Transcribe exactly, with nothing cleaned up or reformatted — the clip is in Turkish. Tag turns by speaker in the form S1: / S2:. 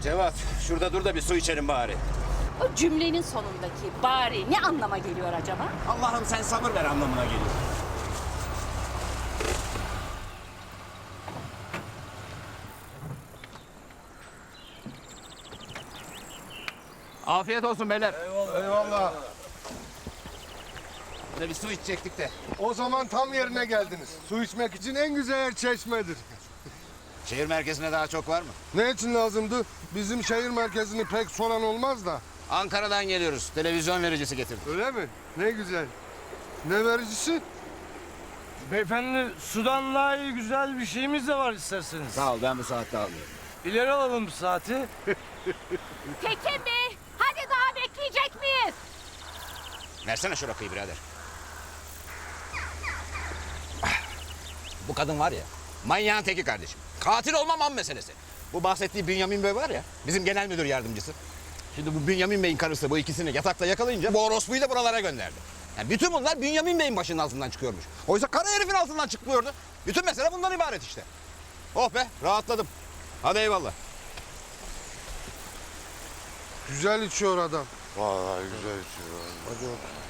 S1: Cevat, şurada dur da bir su içelim bari.
S2: O cümlenin sonundaki bari ne anlama geliyor acaba?
S1: Allah'ım sen sabır ver anlamına geliyor. Afiyet olsun beyler.
S3: Eyvallah.
S1: Burada bir su içecektik de.
S3: O zaman tam yerine geldiniz. Su içmek için en güzel yer Çeşme'dir.
S1: Şehir merkezine daha çok var mı?
S3: Ne için lazımdı? Bizim şehir merkezini pek soran olmaz da.
S1: Ankara'dan geliyoruz. Televizyon vericisi getirdik.
S3: Öyle mi? Ne güzel. Ne vericisi?
S4: Beyefendi sudan daha iyi güzel bir şeyimiz de var isterseniz.
S1: Sağ ol, ben bu saatte alıyorum.
S4: İleri alalım bu saati.
S2: Tekin Bey, hadi daha bekleyecek miyiz?
S1: Versene şu rakıyı birader. Ah, bu kadın var ya, manyağın teki kardeşim. Katil olmam an meselesi. Bu bahsettiği Bünyamin Bey var ya, bizim genel müdür yardımcısı. Şimdi bu Bünyamin Bey'in karısı bu ikisini yatakta yakalayınca bu orospuyu da buralara gönderdi. Yani bütün bunlar Bünyamin Bey'in başının altından çıkıyormuş. Oysa kara herifin altından çıkmıyordu. Bütün mesele bundan ibaret işte. Oh be, rahatladım. Hadi eyvallah.
S3: Güzel içiyor adam. Vallahi güzel içiyor. Hadi bakalım.